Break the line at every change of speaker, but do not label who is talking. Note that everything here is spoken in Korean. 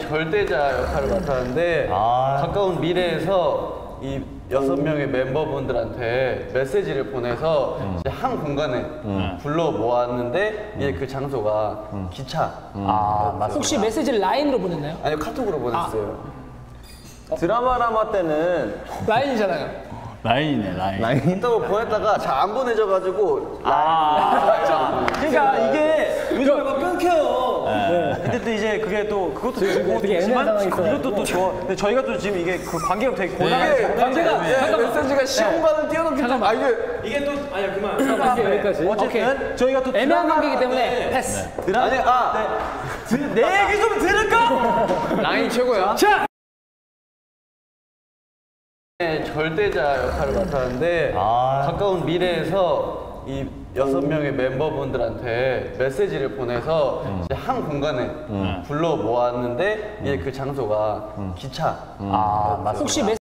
절대자 역할을 맡았는데 가까운 미래에서 이 6명의 멤버분들한테 메시지를 보내서 이제 한 공간에 불러 모았는데 이제 그 장소가 기차.
혹시 메시지를 라인으로 보냈나요?
아니요, 카톡으로 보냈어요.
드라마라마 때는
라인이잖아요.
라인이네, 라인.
또 보냈다가 잘 안 보내져가지고
그러니까 이게 요즘에 막 끊겨요. 근데 또 이제 그게 또 그것도 좋지만 이것도 또 좋아. 근데 저희가 또 지금 이게 그 관계가 되게 곤란해요.
관계가 메시지가 시공간을 뛰어넘기 때문에
이게 또 아니야 그만.
여기까지.
어쨌든 저희가 또
애매한 관계이기 때문에 패스.
내 얘기 좀 들을까?
라인 최고야.
자!
절대자 역할을 맡았는데 가까운 미래에서 이 6명의 멤버분들한테 메시지를 보내서 이제 한 공간에 불러 모았는데 이제 그 장소가 기차.
혹시